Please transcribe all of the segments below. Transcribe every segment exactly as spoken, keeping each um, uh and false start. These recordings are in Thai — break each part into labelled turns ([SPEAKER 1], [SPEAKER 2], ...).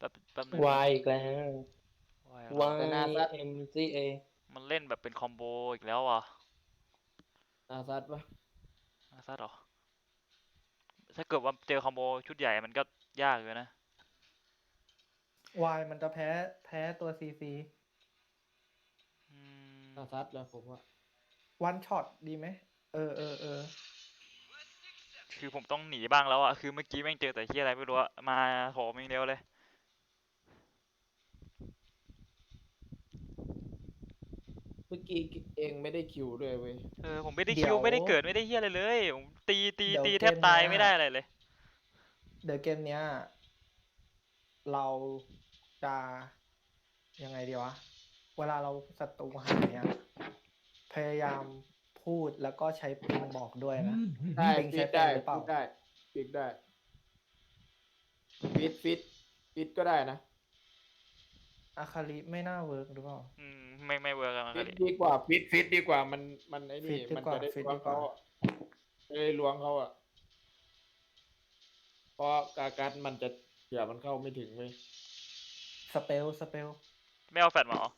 [SPEAKER 1] แบบแป๊บนึง
[SPEAKER 2] Y อีกแล้ว
[SPEAKER 1] วายอะไรวะ
[SPEAKER 3] แต่นา
[SPEAKER 2] Y
[SPEAKER 3] ซัด
[SPEAKER 2] M C A
[SPEAKER 1] มันเล่นแบบเป็นคอมโบอีกแล้วอ่ะ
[SPEAKER 3] นาซัดปะ
[SPEAKER 1] อาซัดเหรอถ้าเกิดว่าเจอคอมโบชุดใหญ่มันก็ยากอยู่นะ
[SPEAKER 4] วายมันจะแพ้แพ้ตัวซีซี
[SPEAKER 1] อืม
[SPEAKER 3] นาซัดแล้วผมว่า
[SPEAKER 4] วันช็อตดีไหมเออเออเออ
[SPEAKER 1] คือผมต้องหนีบ้างแล้วอ่ะคือเมื่อกี้แม่งเจอแต่ที่อะไรไม่รู้อะมาโถมอย่างเดียวเลย
[SPEAKER 3] เมื่อกี้เองไม่ได้คิวด้วยเว้ย
[SPEAKER 1] เออผมไม่ได้
[SPEAKER 4] เดี๋
[SPEAKER 1] คิ
[SPEAKER 4] ยว ว
[SPEAKER 1] ไม่ได้เกิดไม่ได้เฮียอะไรเลยผมตีตี
[SPEAKER 4] เดี๋ยว
[SPEAKER 1] ตีแทบ
[SPEAKER 4] เกม
[SPEAKER 1] ตาย
[SPEAKER 4] เนี้ย
[SPEAKER 1] ไม่ได้อะไรเลย
[SPEAKER 4] เดี๋ยวเกมเนี้ย เราจะยังไงดีวะ เวลาเราศัตรูหายเนี่ยพยายามพูดแล้วก็ใช้ปิงบอกด้วยนะ
[SPEAKER 3] ได้
[SPEAKER 4] ปิง
[SPEAKER 3] ฟิ
[SPEAKER 4] ใช้
[SPEAKER 3] ต
[SPEAKER 4] เป็น
[SPEAKER 3] ได้
[SPEAKER 4] หรือเปล่า
[SPEAKER 3] ฟิตได้ฟิตได้ฟิตฟิตฟิตก็ได้นะ
[SPEAKER 4] อาคาริไม่น่าเวิร์กหรือเปล่า
[SPEAKER 1] อืมไม่ไม่เวิร์กอะมัน
[SPEAKER 3] ฟิ
[SPEAKER 1] ก็
[SPEAKER 3] ต
[SPEAKER 1] ดิ
[SPEAKER 3] ดีกว่าฟิตฟิตดีกว่ามันมันไอ้
[SPEAKER 4] ฟิ
[SPEAKER 3] นี่
[SPEAKER 4] ตดี
[SPEAKER 3] มัน
[SPEAKER 4] กว่า
[SPEAKER 3] จะได้
[SPEAKER 4] ฟิต
[SPEAKER 3] ล้ว
[SPEAKER 4] ดี
[SPEAKER 3] ง
[SPEAKER 4] กว่า
[SPEAKER 3] เขาอะจะได้ล้วงเขาอะเพราะกากัดมันจะเผื่อมันเข้าไม่ถึงเว้ย
[SPEAKER 4] สเปลสเปล
[SPEAKER 1] ไม่เอาแฟดมาเหรอ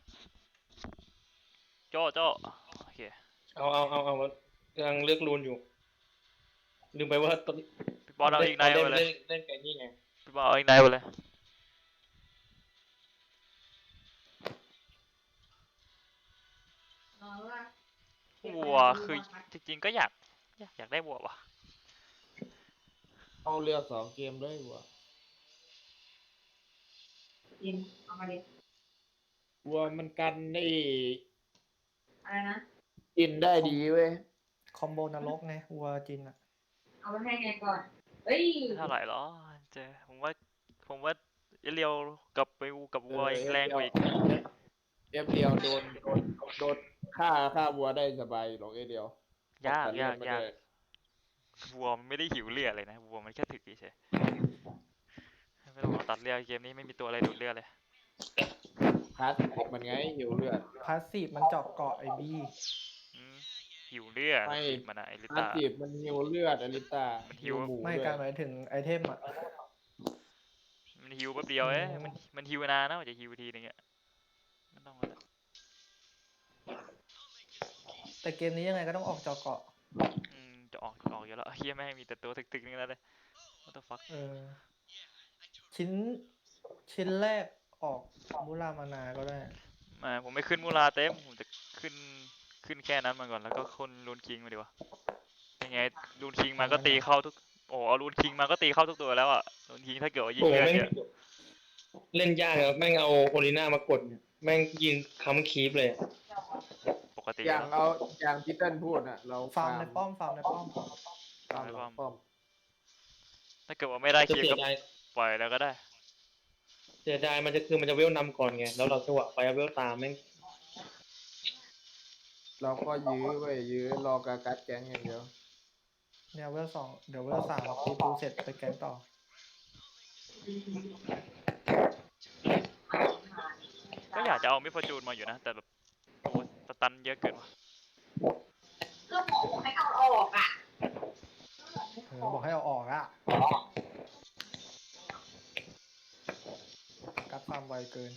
[SPEAKER 1] โจ้โจ้โอเค
[SPEAKER 2] เอาเอาเอาเอากำลังเลือกรูนอยู่ลืมไปว่าตอน
[SPEAKER 1] พี่บอลเอาอีกไนท์
[SPEAKER 2] เล่
[SPEAKER 1] ไป
[SPEAKER 2] น
[SPEAKER 1] เลย
[SPEAKER 2] เล่นเล่นไก่นี่ไง
[SPEAKER 1] พี่บอลเอาอีกไนท์ไปเลย วัวคือจริงๆก็อยากอยากอยากได้วัวว่ะ
[SPEAKER 3] เอาเรือสองเกมด้วยวัว
[SPEAKER 5] ยินเอามาดิ
[SPEAKER 3] วัวมันกันได้
[SPEAKER 5] อะไรนะ
[SPEAKER 3] กินได้ดีเว้ย
[SPEAKER 4] คอมโบนรกไงวัวจินอะ
[SPEAKER 5] เอาไปให้ไงก่อน เอ้ย
[SPEAKER 1] ไม่เท่าไหร่หรอเจผมว่าผมว่าเอเรียวกับไปวูกับวัวยังแรงกว่าอีก
[SPEAKER 3] เอฟเดียวโดนโดนโดนฆ่าฆ่าวัวได้สบายหรอกเอฟเดียวย
[SPEAKER 1] าก
[SPEAKER 3] ตัดเลื
[SPEAKER 1] ยา
[SPEAKER 3] อก ดไม่
[SPEAKER 1] ยาก
[SPEAKER 3] ได้
[SPEAKER 1] วัวมันไม่ได้หิวเลือดเลยนะวัวมันแค่ถึกเฉยๆไม่ต้องเอาตัดเลือดเกมนี้ไม่มีตัวอะไรดูดเลือดเลย
[SPEAKER 3] พาสมันไงหิวเลือด
[SPEAKER 4] พาสซีฟมันเจาะเกาะไอบี
[SPEAKER 1] อืมหิวเลือด
[SPEAKER 3] ไม่
[SPEAKER 1] ติดมันอะไอลิ
[SPEAKER 3] พาส
[SPEAKER 1] ต้า
[SPEAKER 3] ซีฟมันหิวเลือดอลิต้า
[SPEAKER 1] มันหิว
[SPEAKER 3] หมู
[SPEAKER 4] ไม่
[SPEAKER 3] ด้วย
[SPEAKER 4] การหมายถึงไอเทมอะ
[SPEAKER 1] มันหิวแป๊บเดียวเอ้ย
[SPEAKER 4] อืม
[SPEAKER 1] มันมันหิวนานนะกว่าจะหิวทีนึงอะไม่ต้องแล้ว
[SPEAKER 4] แต่เกมนี้ยังไงก็ต้องออกเจาะเกาะ
[SPEAKER 1] อืมจะออกออกอยู่แล้วเฮียแม่งมีแต่ตัวตึกๆนึงแล้วเลย what the fuck
[SPEAKER 4] เออ ชิ้นชิ้นแรกออกมุรามานาก็ได้
[SPEAKER 1] มาผมไม่ขึ้นมูลาเต็มผมจะขึ้นขึ้นแค่นั้นมาก่อนแล้วก็คนรูนคิงมาดีกว่ายังไงรูนคิงมาก็ตีเข้าทุกโอ้เอารูนคิงมาก็ตีเข้าทุกตัวแล้วอะรูนคิงถ้าเกิดว่ายิง
[SPEAKER 2] โอ้
[SPEAKER 1] เลือด
[SPEAKER 2] แม่ง
[SPEAKER 1] เยอะ
[SPEAKER 2] เล่นยากอะแม่งเอาโอลิน่ามากดเนี่ยแม่งยิงค้ำคีบเลย
[SPEAKER 1] ปกติ
[SPEAKER 3] อย่าง
[SPEAKER 1] แล้ว
[SPEAKER 3] เอาอย่างที่เต้นพูดอ่ะ เรา
[SPEAKER 4] ฟาร์มในป้อมฟาร์มในป้อม
[SPEAKER 3] ฟาร์มหลังป้อม
[SPEAKER 1] ถ้าเกิดว่าไม่ได้
[SPEAKER 2] จะ
[SPEAKER 1] คิว
[SPEAKER 2] เสี
[SPEAKER 1] ก็
[SPEAKER 2] ยดาย
[SPEAKER 1] ปล่อยแล้วก็ได้
[SPEAKER 2] เสียดายมันจะคือมันจะเวลนำก่อนไงแล้วเราจังหวะไปเอาเวลตามแม่ง
[SPEAKER 3] เราก็ยื้อไว้ยยื้อรอกากัดแก๊งอย่างเดียว
[SPEAKER 4] เนี่ยเวลสองเดี๋ยวเวลสามตีปูเสร็จไปแกงต่อ
[SPEAKER 1] ก็อยากจะเอามิฟอร์จูนมาอยู่นะแต่แบบโอ้สตันเยอะเกินว่ะ
[SPEAKER 5] ก็บอกให้เอาออกอ่ะ
[SPEAKER 4] เออบอกให้เอาออกอะกัดฟาร์มไวเกิน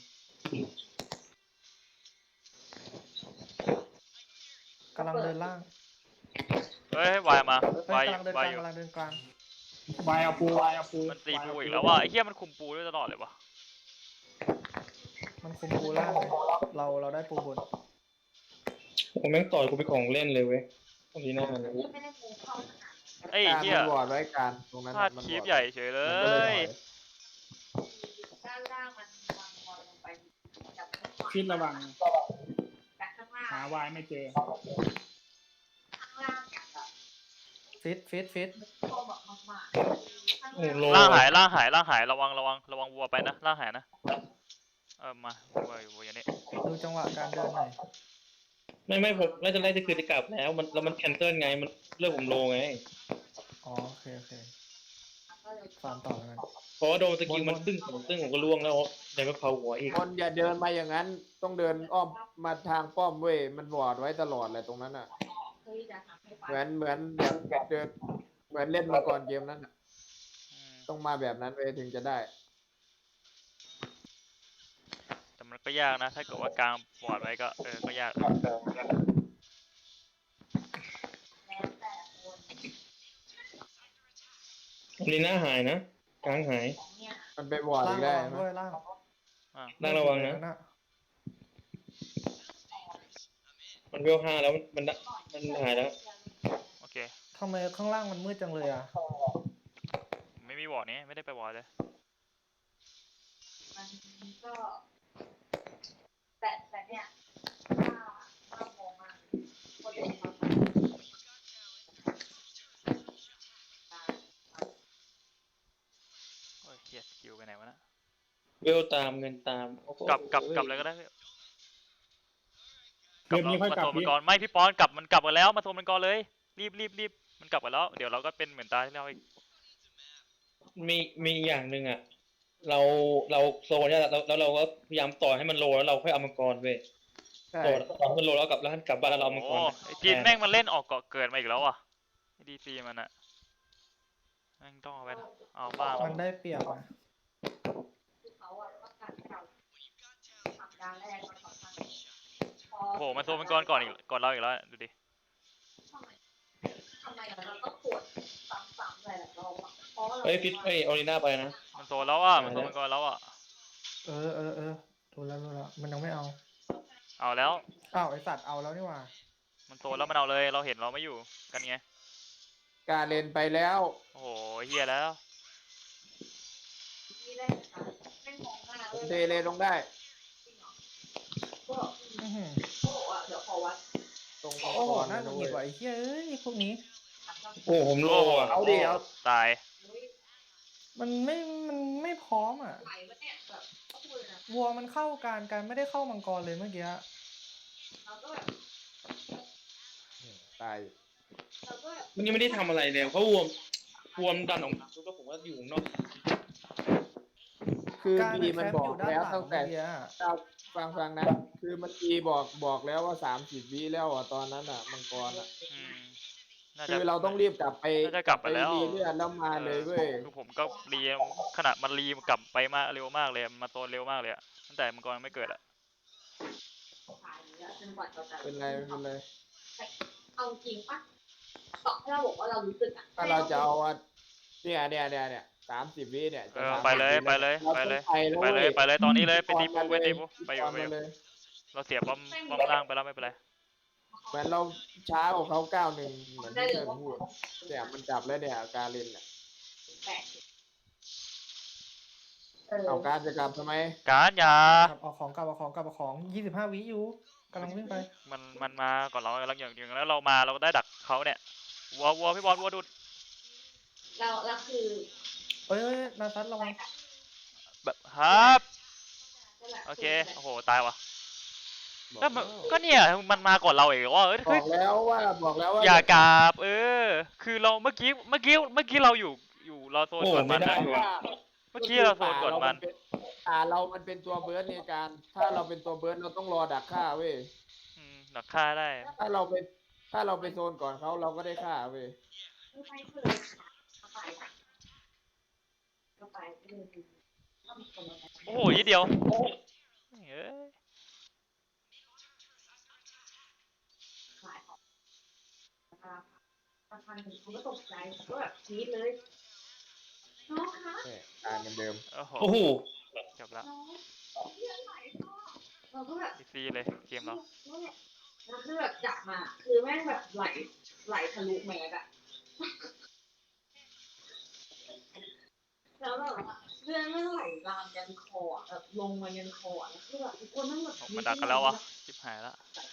[SPEAKER 4] กำลังเดินล่าง
[SPEAKER 1] เฮ้ยวายมา
[SPEAKER 4] เฮ้
[SPEAKER 1] วาย
[SPEAKER 4] ยกำลังเดินก
[SPEAKER 1] วาย
[SPEAKER 4] ลาง
[SPEAKER 1] อยู่
[SPEAKER 4] กำลังเดินกลาง
[SPEAKER 6] วายเอาปูวายเอาปู
[SPEAKER 1] มันตีปูอีกแล้วว่ะไอ้เหี้ยมันคุมปูด้วยตลอดเลยวะ
[SPEAKER 4] มันคุมปูล่างเลยเราเราได้ปูบน
[SPEAKER 2] โอ้แม่งต่อยกูไปของเล่นเลยเว้ยโอลิน่า
[SPEAKER 5] ไม่ได้ปูเข้าขนาด
[SPEAKER 1] ไอ้
[SPEAKER 3] การ
[SPEAKER 1] เหี้ย
[SPEAKER 3] มันวอร์ดไว้การตรงนั้น
[SPEAKER 1] พลาด
[SPEAKER 3] มัน
[SPEAKER 1] คี
[SPEAKER 3] ว
[SPEAKER 1] บ
[SPEAKER 3] อร์ด
[SPEAKER 1] ใหญ่เฉยเล
[SPEAKER 3] มันก็เลยถ
[SPEAKER 1] ย
[SPEAKER 3] อย
[SPEAKER 5] ด้านล่างมันวางบอลลงไปจับข้าง
[SPEAKER 6] ชิดระวัง
[SPEAKER 5] จากข้างล่าง
[SPEAKER 6] หาวายไม่เจอ
[SPEAKER 5] ข้างล่างอย่างแบบ
[SPEAKER 4] ฟิตฟิตฟิต
[SPEAKER 5] โตแบบมากๆข้าง
[SPEAKER 2] โอ้
[SPEAKER 5] ล่าง
[SPEAKER 2] โล
[SPEAKER 1] ล่างหายล่างหายล่างหายระวังระวังระวังวัวไปนะล่างหายนะเออมาวัวอยู่วัวอย่างนี้
[SPEAKER 4] ดูจังหวะการเดินหน่อย
[SPEAKER 2] ไม่ไม่ผมน่าจะไล่จะคือจะกลับแล้วมันแล้วมันแคนเซิลไงมันเลือกผมโลไง
[SPEAKER 4] อ๋อโอเคโอเค
[SPEAKER 5] ก็เลย
[SPEAKER 4] ฟาร์มต่อแล้วกัน
[SPEAKER 2] เพราะว่าโดนสกิลมันตึ้งสองตึ้งผมก็ล่วงแล้วเดี๋ยวมาเผาหัวอีก
[SPEAKER 3] คนอย่าเดินมาอย่างนั้น ต้องเดินอ้อมมาทางป้อมเว้ยมันวอร์ดไว้ตลอดเลยตรงนั้นอ่ะ
[SPEAKER 5] เฮ้ยจะทำให้ฟั
[SPEAKER 3] เหมือนเหมือนแบบเดินเหมือนเล่นมาก่อนเกมนั้นอ่ะ
[SPEAKER 1] อืม
[SPEAKER 3] ต้องมาแบบนั้นเว้ยถึงจะได้
[SPEAKER 1] ก็ยากนะ ถ้าเกิดว่ากลางบอร์ดไว้ก็เออก็ยาก
[SPEAKER 5] แล้วแต่คน
[SPEAKER 2] โอลิน่าหายนะกลางหาย
[SPEAKER 5] ของเนี่ย
[SPEAKER 3] มันไปวอร์ด
[SPEAKER 4] ล่า
[SPEAKER 3] อี
[SPEAKER 4] ง
[SPEAKER 3] ก
[SPEAKER 4] ระ
[SPEAKER 3] แล้ว
[SPEAKER 4] วัง
[SPEAKER 3] เห็นไหม
[SPEAKER 4] ด้วยล่าง
[SPEAKER 1] อ่ะ
[SPEAKER 2] ล่างระวังนะ มันเวลห้าแล้วมันมันมันหายแล้ว
[SPEAKER 1] โอเค
[SPEAKER 4] ทำไมข้างล่างมันมืดจังเลยอ่ะ
[SPEAKER 1] ไม่มีบอร์ดนี้ไม่ได้ไปบอร์ดเลย
[SPEAKER 5] มันก็ แต่แต่เนี่ยถ้าถ้ามองมาคนเดียวมา
[SPEAKER 1] โอ้ยเฮียสกิลไปไหนวะนะ
[SPEAKER 2] เวลตามเงินตามโอ้โห
[SPEAKER 1] กลับกลับกลับเลยก็ได้พี่
[SPEAKER 6] เกมนี้ค่อยกลับ
[SPEAKER 1] มาโซนมั
[SPEAKER 6] พี่
[SPEAKER 1] นก่อนไม่พี่ปอนกลับมันกลับกันแล้วมาโซนมันก่อนเลยรีบรีบรีบมันกลับกันแล้วเดี๋ยวเราก็เป็นเหมือนตาที่เราอีก
[SPEAKER 2] มีมีอย่างหนึ่งอ่ะ เราเราโซนเนี่ยแล้วแล้วเราก็พยายามต่อให้มันโลแล้วเราค่อยเอามังกรเว้ย
[SPEAKER 3] ใช่
[SPEAKER 2] ต่อต่อให้มันโลแล้วกลับแล้วกลับบ้านแล้วเราเอามังก
[SPEAKER 1] โอ้
[SPEAKER 2] ร
[SPEAKER 1] ไอจีนแม่งมันเล่นออกเกาะเกิดมาอีกแล้วอ่ะดีซีมันอะแม่งต้องเอาไปเอาบ้าง
[SPEAKER 4] มันได้เปรียบอ่ะ
[SPEAKER 5] คือเขาอะต้องการให้เราทำการแรกมันสำคัญพอ
[SPEAKER 1] โอ้โหมันโซนมันก่อนก่อนอีกก่อนเราอีกแล้วดูดิ
[SPEAKER 5] ทำไมทำไมเราต้องปวดซ้ำๆหลายๆรอบอะเพราะว่าเรา
[SPEAKER 2] เฮ้ยฟิตเฮ้ยโอลิน่าไปนะ
[SPEAKER 1] มันโซนแล้วอ่ะมันโซนมันก่อนแล้วอ่ะ
[SPEAKER 4] เออเออเออรู้แล้วรู้แล้วมันยังไม่เอา
[SPEAKER 1] เอาแล้ว
[SPEAKER 4] อ้าวไอสัตว์เอาแล้วนี่หว่า
[SPEAKER 1] มันโซนแล้วมันเอาเลยเราเห็นเราไม่อยู่กันไง
[SPEAKER 3] กาเลนไปแล้ว
[SPEAKER 1] โอ้โหเฮียแล้ว
[SPEAKER 5] ที่ได้นะคะไม่มองหน้า
[SPEAKER 3] ผม
[SPEAKER 5] เลย
[SPEAKER 3] เทเลลงได้
[SPEAKER 5] ก็
[SPEAKER 4] อื้อหือ
[SPEAKER 5] ก็บอกว่าเดี๋ยวขอวัด
[SPEAKER 3] ตรง
[SPEAKER 4] โอ้โห
[SPEAKER 3] ก่อน
[SPEAKER 4] น่า
[SPEAKER 3] นะ
[SPEAKER 4] จะ
[SPEAKER 3] เว้
[SPEAKER 4] หงิ
[SPEAKER 3] ย
[SPEAKER 4] ดว่ะไอ้เหี้ยเอ้ยพวกนี้
[SPEAKER 2] โอ้ผมโล
[SPEAKER 1] โอ้โห
[SPEAKER 2] อ่ะ
[SPEAKER 3] เอาดิเอา
[SPEAKER 1] ตาย
[SPEAKER 4] มันไม่มันไม่พร้อมอ่ะ
[SPEAKER 5] ไหลมาเนี่ยแบบก็พูดเลยนะ
[SPEAKER 4] วัวมันเข้าการการไม่ได้เข้ามังกรเลยเมื่อกี้
[SPEAKER 5] เราก็แบบ
[SPEAKER 3] ตาย
[SPEAKER 5] เราก็แบบ
[SPEAKER 2] มันยังไม่ได้ทำอะไรเลยเพราะวมวมดันออกมาแล้วก็ผมว่าอยู่ข้างนอก
[SPEAKER 3] คือ
[SPEAKER 4] การ
[SPEAKER 3] พี
[SPEAKER 4] แค
[SPEAKER 3] มัน
[SPEAKER 4] ป
[SPEAKER 3] บอ
[SPEAKER 4] อก ยู่ด้าน
[SPEAKER 3] แล้ว
[SPEAKER 4] หลัง
[SPEAKER 3] ตั้งแต่
[SPEAKER 4] เมื่อกี้อะ
[SPEAKER 3] เอาฟังฟังนะ คือมันพีบอกบอกแล้วว่าสามสิบวิแล้วอ่ะตอนนั้นอ่ะมังกรอ่ะ
[SPEAKER 1] อืมน่าจะ
[SPEAKER 3] คือเราต้องรีบกลับไป
[SPEAKER 1] น่าจะกลับไปแล้ว
[SPEAKER 3] รีเลือดแล้วมาเลยเว้ย
[SPEAKER 1] คือผมก็รีขนาดมันรีกลับไปมากเร็วมากเลยมาโซนเร็วมากเลยอะตั้งแต่มังกรยังไม่เกิดอะ
[SPEAKER 5] ขายแล้วจนกว่าเราจะ
[SPEAKER 3] เป็นไรไม่เป็นไร
[SPEAKER 5] เอาจริงปะต่อให้เราบอกว่าเรารู้สึกอะ
[SPEAKER 3] ถ้าเราจะเอาอ่ะเนี่ยเนี่ยเนี่ยเนี่ยสามสิบวิเนี่ย
[SPEAKER 1] เอ
[SPEAKER 3] จะ
[SPEAKER 1] อ
[SPEAKER 3] สามสิบ
[SPEAKER 1] ไปเลย
[SPEAKER 3] วิ
[SPEAKER 1] ไปเลย
[SPEAKER 3] รา
[SPEAKER 1] ไป
[SPEAKER 3] ต้อง
[SPEAKER 1] เลย
[SPEAKER 3] ไปแล้ว
[SPEAKER 1] ไปเลย
[SPEAKER 3] ว้
[SPEAKER 1] ไปเลยตอนนี้เลยไปตีปู
[SPEAKER 3] ก่อน
[SPEAKER 1] ไป
[SPEAKER 3] มา
[SPEAKER 1] ตี
[SPEAKER 3] เลย
[SPEAKER 1] ปูไปอยู่
[SPEAKER 3] ก่อน
[SPEAKER 1] ไปอ
[SPEAKER 3] มา
[SPEAKER 1] ยู่
[SPEAKER 3] เลย
[SPEAKER 1] เราเสียป้อมป้อมล่างไปแล้วไม่เป็นไร
[SPEAKER 3] เหมือนเราช้ากว่าเขาเก้าหนึ่งเหมือนที่เธอพูดเนี่ยมันจับแล้วเนี่ยการเล่นเนี่ย
[SPEAKER 5] แปลกเออ
[SPEAKER 3] เอาการจะกลับทำไม
[SPEAKER 1] การอย่า
[SPEAKER 4] ครับเอาของกลับเอาของกลับเอาของยี่สิบห้าวิอยู่กำลังวิ่งไป
[SPEAKER 1] มันมันมาก่อนเราเราอย่างอย่างแล้วเรามาเราก็ได้ดักเขาเนี่ยวัววัวพี่บอลวัวดูด
[SPEAKER 5] เราเราคือ
[SPEAKER 4] เอ้ยเอ้ยนาซัดระวัง
[SPEAKER 1] แบบครับ
[SPEAKER 5] นั่นแหละ
[SPEAKER 1] โอเคโอ้โหตายว่ะ
[SPEAKER 3] บอก
[SPEAKER 1] ก็มันก็เนี่ยมันมาก่อนเราเองว่าเอ้ย
[SPEAKER 3] บ
[SPEAKER 1] เฮ้
[SPEAKER 3] อย กแล้วว่าบอกแล้วว่า
[SPEAKER 1] อย่ากราบเออ คือเราเมื่อกี้เมื่อกี้เมื่อกี้เราอยู่อยู่เราโซน
[SPEAKER 2] โอ้
[SPEAKER 1] ก่อน
[SPEAKER 2] ไม่
[SPEAKER 1] มัน
[SPEAKER 2] ได้
[SPEAKER 1] นะ
[SPEAKER 2] ว่ะ
[SPEAKER 1] เมื่อกี้เราโซนก่อนมัน
[SPEAKER 3] อ่าเรามันเป็นตัวเบิร์ดในการ ถ้าเราเป็นตัวเบิร์ดเราต้องรอดักฆ่าเว้ย
[SPEAKER 1] อืมดักฆ่าได้
[SPEAKER 3] ถ้าเราไปถ้าเราไปโซนก่อนเขาเราก็ได้ฆ่าเว้ย
[SPEAKER 5] คือไปคือเข้าไปเข้าไปคือถ้ามีคนมา
[SPEAKER 1] โอ้โหยี่เดียวเอ้ย
[SPEAKER 5] ขายของประธานเขาก็ตกใจก็แบบกรี๊ดเลยน้องคะ
[SPEAKER 3] เนี่ยการเหมือนเดิม
[SPEAKER 1] โอ้โห
[SPEAKER 2] โอ้โห
[SPEAKER 1] จบละ
[SPEAKER 5] น้องเลือดไหลพ่อเราก็แบบ
[SPEAKER 1] อีซีเลยเกมเรา
[SPEAKER 5] เนี่ยแล้วคือแบบจับมา คือแม่งแบบไหลไหลทะลุแมสอะแล้วแบบเลือดไม่ไหลลามยันคออะแบบลงมายันคออะแล้วคือแบบทุกคนนั่งแบบ
[SPEAKER 1] มันดักกันแล้ววะชิบหายละ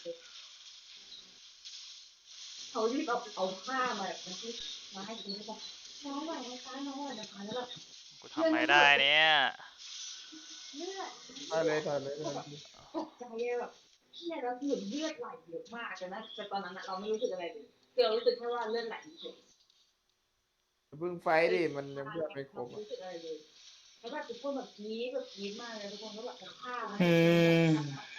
[SPEAKER 5] เขารีบเอาเอาผ้ามาแบบมาที่มาให้คุณบอกน้องไหวไหมคะน้องไหวไหมคะแล้วแบบ
[SPEAKER 1] กูทำไม่ได้เนี่ย
[SPEAKER 5] เลือด
[SPEAKER 3] ถอยเลยถอยเลยถอยเลย
[SPEAKER 5] ตกใจอะแบบเชี่ยแล้วคือเลือดไหลเยอะมากแต่นะแต่ตอนนั้นอะเราไม่รู้สึกอะไรเลยคือเรารู้สึกแค่ว่าเลือดไหลเฉย
[SPEAKER 3] เพิ่งไฟดิมันยังเพื่อนไม่ครบ
[SPEAKER 5] ไม่
[SPEAKER 3] อะ
[SPEAKER 5] รู้สึกอะไรเลยแล้วแบบทุกคนแบบกรี๊ดแบบกรี๊ดมากเลยทุกคนก็แบบเอาผ้ามา
[SPEAKER 2] อืม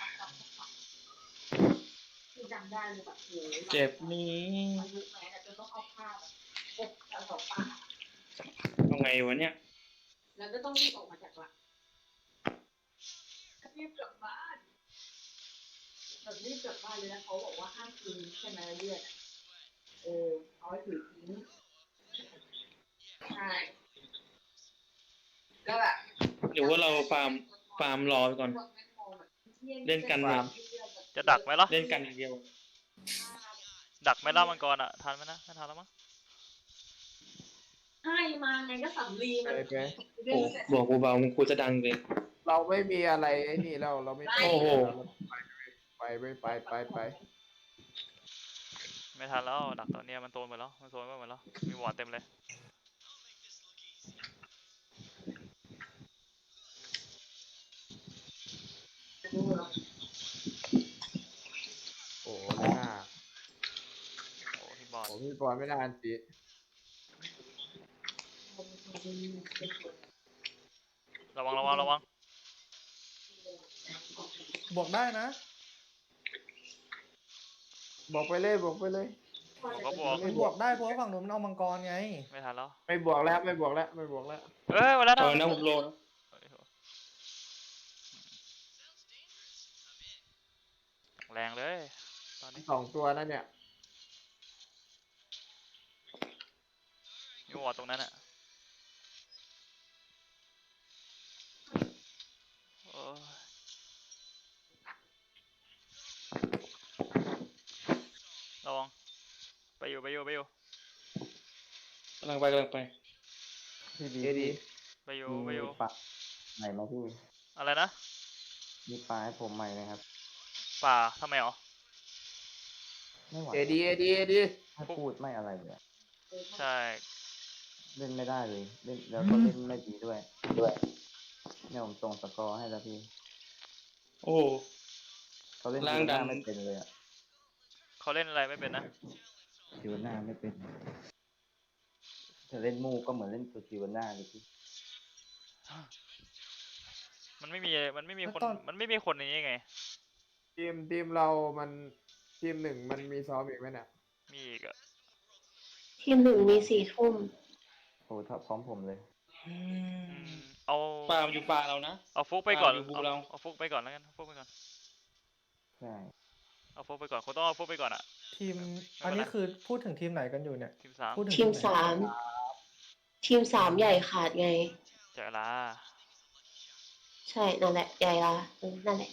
[SPEAKER 5] คือจำได้เลยแบบโอ้ย
[SPEAKER 2] เจ็บนี้
[SPEAKER 5] มันยุคแม้แต่จะต้องเอาผ้าแบบปกเอาสองปาก
[SPEAKER 2] เอาไงวะเนี่ย
[SPEAKER 5] แล้วก็ต้องรีบออกมาจากวัดรีบกลับบ้านแบบรีบกลับบ้านเลยนะเขาบอกว่าห้ามกินใช่ไหมเลือดอะเออเอาไว้ถือทิ้งใช่ก็แบบ
[SPEAKER 2] หรือว่าเราฟาร์มฟาร์มรอไปก่อน เล่นกันแบบ
[SPEAKER 1] จะดักไหมล่ะ
[SPEAKER 2] เล่นกันอย่างเดียว
[SPEAKER 1] ดักไหมล่ะมังกรอ่ะทันไหมนะไม่ทันแล้วมั้ง
[SPEAKER 5] ให้มาไงก็สำลีมัน
[SPEAKER 3] ไปไป
[SPEAKER 5] เรื่อ
[SPEAKER 2] โอ้
[SPEAKER 5] งเสร็จ
[SPEAKER 2] บอกกูเบามึงกูจะดังเลย
[SPEAKER 3] เราไม่มีอะไรไอ้นี่แล้วเราไม่
[SPEAKER 2] โอ้โห
[SPEAKER 3] ไปไปไปไปไป
[SPEAKER 1] ไม่ทันแล้วดักตอนเนี้ยมันโซนหมดแล้วมันโซนไปหมดแล้วมีวอร์ดเต็มเลย
[SPEAKER 3] โอ้เลยหน้า
[SPEAKER 1] โอ้ที่บอร์ด
[SPEAKER 3] ผมพี่บอลไม่ได้อันติ
[SPEAKER 1] ระวังระวังระวัง
[SPEAKER 4] บวกได้นะ
[SPEAKER 3] บอกไปเลยบอกไปเลย
[SPEAKER 1] ผมก็บวก
[SPEAKER 4] มันบวกได้เพราะว่าฝั่งนู้นมันเอามังกรไง
[SPEAKER 1] ไม่ทันแล้ว
[SPEAKER 3] ไม่บวกแล้วไม่บวกแล้วไม่บวกแล้ว
[SPEAKER 1] เอ้ยวันแล้ว
[SPEAKER 2] ต
[SPEAKER 1] นะ
[SPEAKER 2] อนนั้นผมโลนะ
[SPEAKER 1] แรงเลยตอนนี้
[SPEAKER 3] สองตัวนั่นเนี่ย
[SPEAKER 1] มีวอร์ดตรงนั้นอ่ะโอ้ยระวังไปอยู่ไปอยู่ไปอยู่
[SPEAKER 2] กำลังไปกำลังไป
[SPEAKER 7] พี่ดี
[SPEAKER 3] เอดี
[SPEAKER 1] ไปอยู่
[SPEAKER 7] มี
[SPEAKER 1] ไปอยู่
[SPEAKER 7] ปลาใหม่ไหมพี่
[SPEAKER 1] อะไรนะ
[SPEAKER 7] มีปลาให้ผมใหม่นะครับ
[SPEAKER 1] ป่าทำไมหรอ
[SPEAKER 7] ไม่ไหว
[SPEAKER 3] เอดีเอดีเอดี
[SPEAKER 7] ให้พูดไม่อะไรเลยอะ
[SPEAKER 1] ใช่
[SPEAKER 7] เล่นไม่ได้เลยเล่นแล้วก็เล่นไม่ดีด้วยด้วยเนี่ยผมส่งสกอร์ให้แล้วพี่
[SPEAKER 2] โอ้โห
[SPEAKER 7] เขาเล่น
[SPEAKER 2] ร่าง
[SPEAKER 7] ยู
[SPEAKER 2] ดั
[SPEAKER 7] น่าน ไม่เป็นเลยอะ
[SPEAKER 1] เขาเล่นอะไรไม่เป็นนะ
[SPEAKER 7] ยูน่าไม่เป็นจะเล่นมูก็เหมือนเล่นตัวยูน่าเลยพี่
[SPEAKER 1] มันไม่มีมันไม่มีคน
[SPEAKER 4] แล้วตอน
[SPEAKER 1] มันไม่มีคนอย่างนี้ไง
[SPEAKER 3] ทีมทีมเรามันทีมหนึ่งมันมีซ้อมอีกไหมเนี่ย
[SPEAKER 1] มีอีกอะ
[SPEAKER 8] ทีมหนึ่งมีสี่ทุ่ม
[SPEAKER 7] โอ้ถ้าพร้อมผมเลย
[SPEAKER 2] อื
[SPEAKER 1] อื
[SPEAKER 2] ม
[SPEAKER 1] มเอา
[SPEAKER 2] ฟาร์มอยู่ป่าเรานะ
[SPEAKER 1] เอาฟุกไปก่อน
[SPEAKER 2] อ่าอยู่บู
[SPEAKER 1] เอา
[SPEAKER 2] เรา
[SPEAKER 1] เอาฟุกไปก่อนแล้วกันเอาฟุกไปก่อน
[SPEAKER 7] ใช่
[SPEAKER 1] เอาฟุกไปก่อนคุณต้องเอาฟุกไปก่อนอะ
[SPEAKER 4] ทีม
[SPEAKER 1] ไม่เป็นไร
[SPEAKER 4] อันนี้คือพูดถึงทีมไหนกันอยู่เนี่ย
[SPEAKER 1] ทีมสาม
[SPEAKER 4] พูดถึง
[SPEAKER 8] ทีม
[SPEAKER 4] ไหน
[SPEAKER 8] สามทีมสามใหญ่ขาดไง
[SPEAKER 1] เจอลา
[SPEAKER 8] ใช่นั่นแหละใหญ่ละเออนั่นแหละ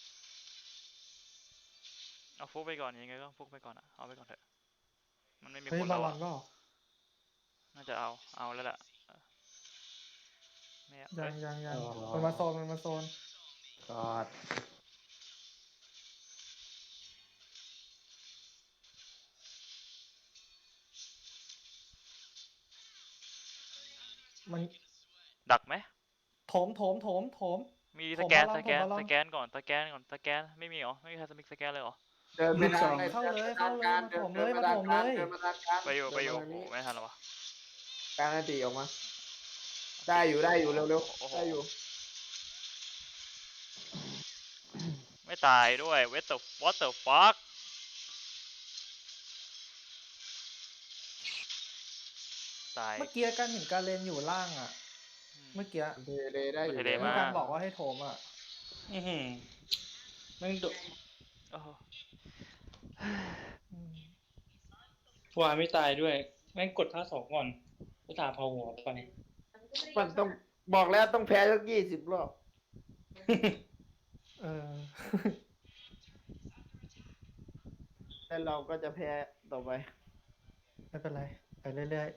[SPEAKER 1] เอาฟุกไปก่อนยังไงก็ฟุกไปก่อนอะเอาไปก่อนเถอะมันไม่มี
[SPEAKER 4] เฮ้ย
[SPEAKER 1] คน
[SPEAKER 4] บา
[SPEAKER 1] แล้ว
[SPEAKER 4] ลอ
[SPEAKER 1] อะ
[SPEAKER 4] นก็
[SPEAKER 1] น่าจะเอาเอาแล้วแหละไม่เอา
[SPEAKER 4] ยั
[SPEAKER 1] เอ้
[SPEAKER 4] ง
[SPEAKER 1] ย
[SPEAKER 4] ยังยัง
[SPEAKER 3] อ๋อ
[SPEAKER 4] มันมาโซนมันมาโซน
[SPEAKER 3] กอด
[SPEAKER 4] มัน
[SPEAKER 1] ดักไหม
[SPEAKER 4] โถมโถมโถมโถม
[SPEAKER 1] มี
[SPEAKER 4] ผ
[SPEAKER 1] ส
[SPEAKER 4] ม
[SPEAKER 1] แกน
[SPEAKER 4] บอล
[SPEAKER 1] สแกน
[SPEAKER 4] ผมบอล
[SPEAKER 1] สแกนก่อนสแกนก่อนสแกนไม่มีเหรอไม่มีใครสมิกสแกนเลยเหรอ
[SPEAKER 3] เดินไปทาง
[SPEAKER 4] เข้าเลย
[SPEAKER 3] ดินไปทง
[SPEAKER 4] เข้าเลย
[SPEAKER 3] ดิน
[SPEAKER 4] มาถมเลย
[SPEAKER 3] ดิน
[SPEAKER 4] มา
[SPEAKER 3] มา
[SPEAKER 4] ถ
[SPEAKER 3] ทาง
[SPEAKER 4] มเลย
[SPEAKER 3] กลางเดินมาทางกลาง
[SPEAKER 1] ไปอยู่ไปอยู่
[SPEAKER 3] เดิน
[SPEAKER 1] โอ้
[SPEAKER 3] มาทางนี้
[SPEAKER 1] ไม่ทันแล้ววะ
[SPEAKER 3] กลางอันติออกมา ได้อยู่ได้อยู่เร็ว
[SPEAKER 1] โอ้โห
[SPEAKER 3] ๆได้อยู่
[SPEAKER 1] ไม่ตายด้วย what the what the fuck ตาย
[SPEAKER 4] เมื่อกี้การเห็นการเลนอยู่ล่างอ่ะ
[SPEAKER 1] อืม
[SPEAKER 4] เมื่อกี้
[SPEAKER 3] เทเลได้อยู่
[SPEAKER 1] เทเล
[SPEAKER 3] แล้ว
[SPEAKER 1] มา
[SPEAKER 4] การบอกว่าให้โถมอ่ะ
[SPEAKER 2] อือหือแม่งโด
[SPEAKER 1] โอ้โห
[SPEAKER 4] อืม
[SPEAKER 2] วายไม่ตายด้วย แม่งกดท่าสองก่อนก็ตาเผาหัวไป
[SPEAKER 3] มันต้องบอกแล้วต้องแพ้สักยี่สิบรอบ
[SPEAKER 4] เออ
[SPEAKER 3] แล้วเราก็จะแพ้ต่อไป
[SPEAKER 4] ไม่เป็นไร ไปเรื่อย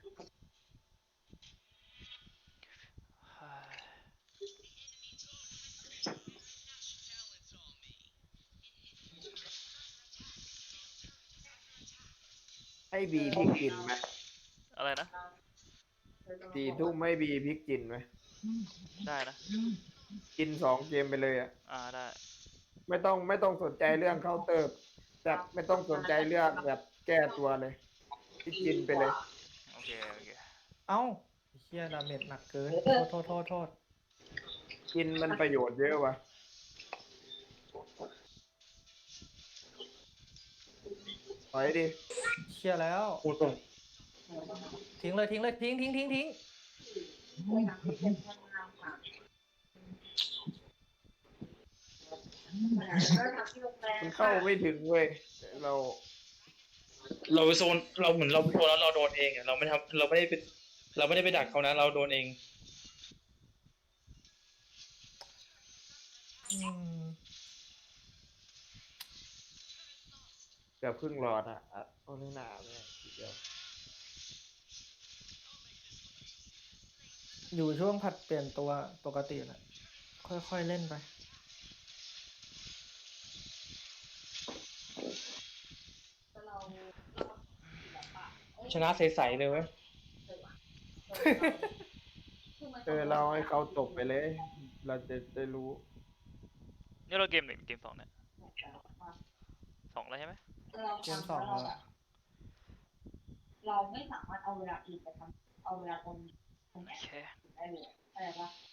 [SPEAKER 3] ให้บีพริกกินไหม
[SPEAKER 1] อะไรนะ
[SPEAKER 3] สี่ทุ่มไม่บีพริกกินไหม
[SPEAKER 1] ได้นะ
[SPEAKER 3] กินสองเกมไปเลยอ่ะ
[SPEAKER 1] อ่าได้
[SPEAKER 3] ไม่ต้องไม่ต้องสนใจเรื่องเคาน์เตอร์แต่ไม่ต้องสนใจเรื่องแบบแก้ตัวเลยพริกกินไปเลย
[SPEAKER 1] โอเคโอเค
[SPEAKER 4] ๆ เอ้าไอ้เฮียดาเมจหนักเกิน โทษโทษโทษโทษ
[SPEAKER 3] กินมันประโยชน์เยอะว่ะถอยดิ
[SPEAKER 4] เชียแล้ว
[SPEAKER 2] กูส่ง
[SPEAKER 4] ทิ้งเลยทิ้งเลยทิ้งทิ้งทิ้งทิ้ง
[SPEAKER 5] ไปหาที่เป็นทางงามค่ะ
[SPEAKER 3] มันเข้าไม่ถึงเว้ยเรา
[SPEAKER 2] เราโซนเราเหมือนเราโดนแล้วเราโดนเองอะเราไม่ทำเราไม่ได้ไปเราไม่ได้ไปดักเขานะเราโดนเอง
[SPEAKER 4] อืม
[SPEAKER 3] เกือบครึ่งหลอดอ่ะอ่ะโอ้นี่หนาเนี่ยทีเดียว
[SPEAKER 4] อยู่ช่วงผัดเปลี่ยนตัวปกติแหละค่อยๆเล่นไป
[SPEAKER 5] แต่เราเราแบบว่าอ้ย
[SPEAKER 2] ชนะใสๆเลยเว้ย
[SPEAKER 5] คือมัน
[SPEAKER 3] เออเราให้เขาตกไปเลย เราจะได้รู้
[SPEAKER 1] นี่เราเกมหนึ่งเกมสองเนี่ยสองแล้วใช่ไหม
[SPEAKER 5] เรา
[SPEAKER 4] เกม
[SPEAKER 5] ทำ
[SPEAKER 4] สอง
[SPEAKER 5] แล้วเรา
[SPEAKER 4] แล้ว
[SPEAKER 5] แบบเราไม่สามารถเอาเวลาอื่นไปทำเอาเวลาตรงนี้ตรง
[SPEAKER 1] โอ
[SPEAKER 5] เนี้ย
[SPEAKER 1] เค
[SPEAKER 5] ได้เลยอะไรปะ